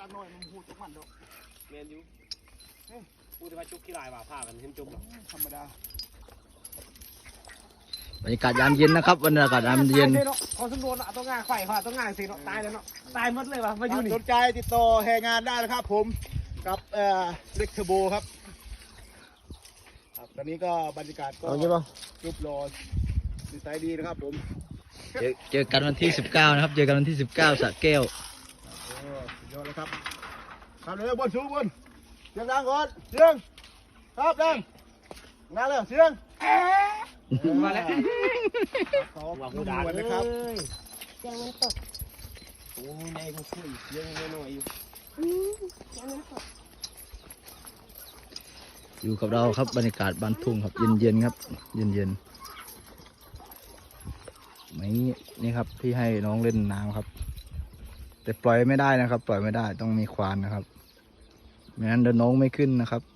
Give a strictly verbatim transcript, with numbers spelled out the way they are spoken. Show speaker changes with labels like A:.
A: การน้อยมันหูจุกมันดอก
B: เมนยูพูดว่าจุกขี้ลายว่าผ้ากันเห็นจุกหรอ
A: ธรรมดา
C: บรรยากาศยามเย็นนะครับบรรยากาศยามเย็น
B: พอสมบูรณ์อ่ะต้องงานไข่ค่ะต้องงานสิเนาะตายแล้วเนาะตายหมดเลยว่ะมาอยู่นี่
A: สนใจติดต่อแห่งานได้นะครับผมกับเอ่อเล็กเทอร์โบครับครับตอนนี้ก็บรรยากาศก็รูปรอดีไซน์ดีนะครับผม
C: เจอเจอกันวันที่สิบเก้านะครับเจอกันวันที่สิบเก้าสระแก้ว
A: โอ้สุดยอดเลยครับครับเลยบนสูงบนเสียงดังก่อนเสียงครับดังนั่นเลยเสียง
B: มาแล้ว
A: ขอว่าผู้ด่าเลยครับ
D: เสียงมันสด
B: โอ้ยในกูคุยเสียงน้อยอยู่
D: เสียงมันสด
C: อยู่กับเราครับบรรยากาศบ้านทุ่งครับเย็นๆครับเย็นๆไม่นี่ครับที่ให้น้องเล่นน้ำครับแต่ปล่อยไม่ได้นะครับ ปล่อยไม่ได้ต้องมีควานนะครับไม่งั้นเดินน้องไม่ขึ้นนะครับ